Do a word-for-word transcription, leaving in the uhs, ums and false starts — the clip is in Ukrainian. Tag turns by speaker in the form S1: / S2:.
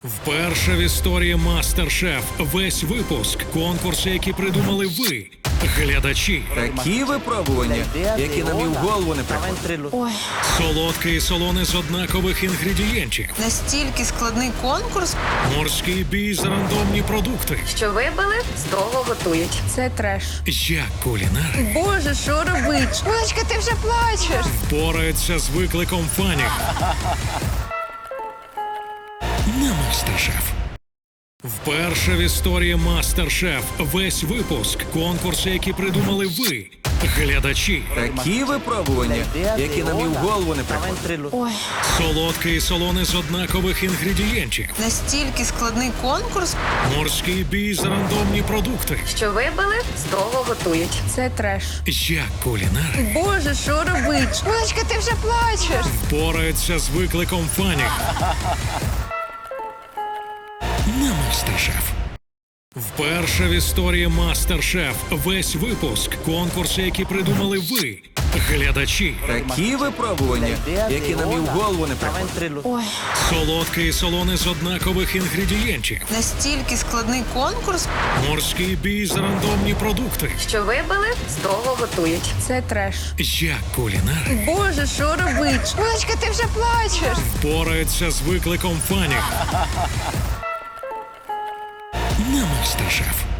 S1: Вперше в історії Мастер-Шеф весь випуск – конкурси, які придумали ви, глядачі.
S2: Такі випробування, які нам і в голову не приходять.
S3: Ой,
S1: Солодке і солоне з однакових інгредієнтів.
S3: настільки складний конкурс.
S1: Морський бій за рандомні продукти.
S4: Що вибили, з того готують.
S3: Це треш.
S1: Як кулінари
S3: Боже, що робить? Булочка, ти вже плачеш.
S1: впораються з викликом фанів на Мастер-Шеф. Вперше в історії Мастер-Шеф весь випуск – конкурси, які придумали ви, глядачі.
S2: Такі випробування, які нам і в голову не приходять.
S3: Ой,
S1: Солодке і солоне з однакових інгредієнтів.
S3: настільки складний конкурс.
S1: Морський бій за рандомні продукти.
S4: Що вибили, з того готують.
S3: Це треш.
S1: Як кулінари
S3: Боже, що робить? Булочка, ти вже плачеш.
S1: впораються з викликом фанів на Мастер-Шеф. Вперше в історії Мастер-Шеф весь випуск – конкурси, які придумали ви, глядачі.
S2: Такі випробування, які нам і в голову не приходять.
S3: Ой,
S1: Солодке і солоне з однакових інгредієнтів.
S3: настільки складний конкурс.
S1: Морський бій за рандомні продукти.
S4: Що вибили, з того готують.
S3: Це треш.
S1: Як кулінари
S3: Боже, що робить? Булочка, ти вже плачеш.
S1: впораються з викликом фанів на Мастер-Шеф.